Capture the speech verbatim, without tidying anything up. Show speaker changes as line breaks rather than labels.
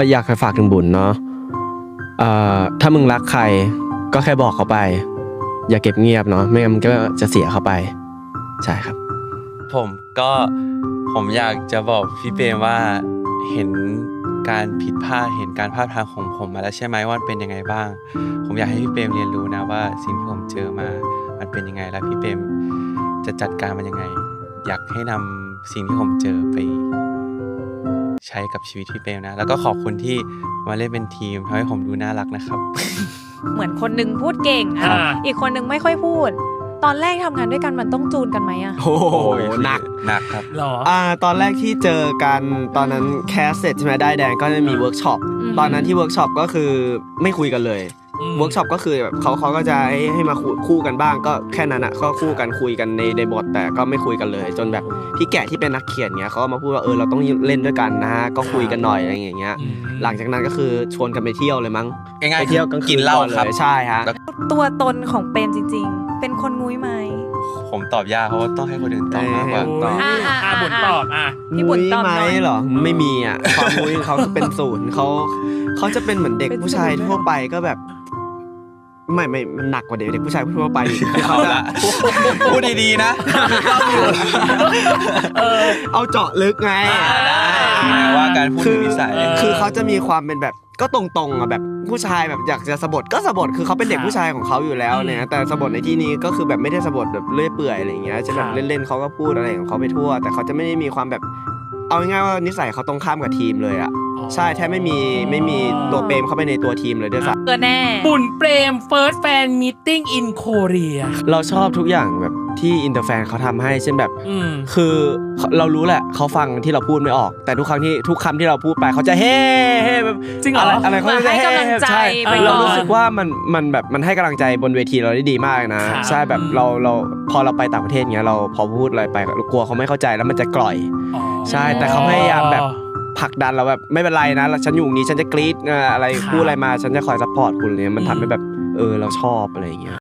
อยากให้ฝากถึงบุญเนาะเอ่อถ้ามึงรักใครก็แค่บอกเขาไปอย่าเก็บเงียบเนาะไม่งั้นมันก็จะเสียเขาไปใช่ครับ
ผมก็ผมอยากจะบอกพี่เปรมว่าเห็นการผิดพลาดเห็นการพลาดพลั้งของผมมาแล้วใช่ไหมว่าเป็นยังไงบ้างผมอยากให้พี่เปรมเรียนรู้นะว่าสิ่งที่ผมเจอมามันเป็นยังไงแล้วพี่เปรมจะจัดการมันยังไงอยากให้นำสิ่งที่ผมเจอไปใช้กับชีวิตพี่เปรมนะแล้วก็ขอบคุณที่มาเล่นเป็นทีมทำให้ผมดูน่ารักนะครับ
เหมือนคนนึงพูดเก่งอ่ะอีกคนนึงไม่ค่อยพูดตอนแรกทำงานด้วยกันมันต้องจูนกันไหมอะ
โอ้โหหนัก
หนักครับ
หรอ
อ่าตอนแรกที่เจอกันตอนนั้นแคสเสร็จใช่ไหมได้แดงก็จะมีเวิร์กช็อปตอนนั้นที่เวิร์กช็อปก็คือไม่คุยกันเลยเวิร์กช็อปก็คือแบบเขาเขาก็จะให้ให้มาคู่กันบ้างก็แค่นั้นอ่ะก็คู่กันคุยกันในในบทแต่ก็ไม่คุยกันเลยจนแบบพี่แกะที่เป็นนักเขียนเงี้ยเขามาพูดว่าเออเราต้องเล่นด้วยกันนะฮะก็คุยกันหน่อยอะไรอย่างเงี้ยหลังจากนั้นก็คือชวนกันไปเที่ยวเลยมั้ง
ง่ายๆ
ไปเที่ยวกลางคืน
กินเหล้าครับ
ใช่ฮะ
ตัวตนของเปรมจริงๆเป็นคนงุ้ยไหม
ผมตอบยากเพราะว่าต้องให้คนอื่นตอบมากกว่า
อ่า
อ่าบุญตอบอ่ะ
พี่บุญตอบ
ไหมเหรอไม่มีอ่ะความงุ้ยเขาเป็นศูนย์เขาเขาจะเป็นเหมือนเด็กผู้ชายทั่วไปก็แบบไม่ไม่มันหนักกว่าเด็กเด็กผู้ชายทั่วไป
เขาละพูดดีๆนะ
เอาเจาะลึกไง
ว่าการพูดนิสัย
คือเขาจะมีความเป็นแบบก็ตรงๆอ่ะแบบผู้ชายแบบอยากจะสะบัดก็สะบัดคือเขาเป็นเด็กผู้ชายของเขาอยู่แล้วเนี่ยแต่สะบัดในที่นี้ก็คือแบบไม่ได้สะบัดแบบเลื่อยเปื่อยอะไรอย่างเงี้ยจะแบบเล่นๆเขาก็พูดอะไรของเขาไปทั่วแต่เขาจะไม่ได้มีความแบบเอาง่ายๆว่านิสัยเขาตรงข้ามกับทีมเลยอ่ะใช่แทบไม่มีไม่มีตัวเปรมเข้าไปในตัวทีมเลยด้วยซ้ำ
เออแน่
บุญเปรม first fan meeting in Korea
เราชอบทุกอย่างแบบที่อินเตอร์แฟนเขาทำให้เช่นแบบคือเรารู้แหละเขาฟังที่เราพูดไม่ออกแต่ทุกครั้งที่ทุกคำที่เราพูดไปเขาจะเฮ้เฮ้แบบ
จริงเหรอ
อะไรเขาจะ
ให้กำลังใจ
เรารู้สึกว่ามันมันแบบมันให้กำลังใจบนเวทีเราได้ดีมากนะใช่แบบเราเราพอเราไปต่างประเทศเงี้ยเราพอพูดอะไรไปเรากลัวเขาไม่เข้าใจแล้วมันจะกร่อยใช่แต่เขาพยายามแบบผลักดันเราแบบไม่เป็นไรนะฉันอยู่นี้ฉันจะกรี๊ดอะไรพูดอะไรมาฉันจะคอยซัพพอร์ตคุณเลยมันทำให้แบบเออเราชอบอะไรอย่างเงี้ย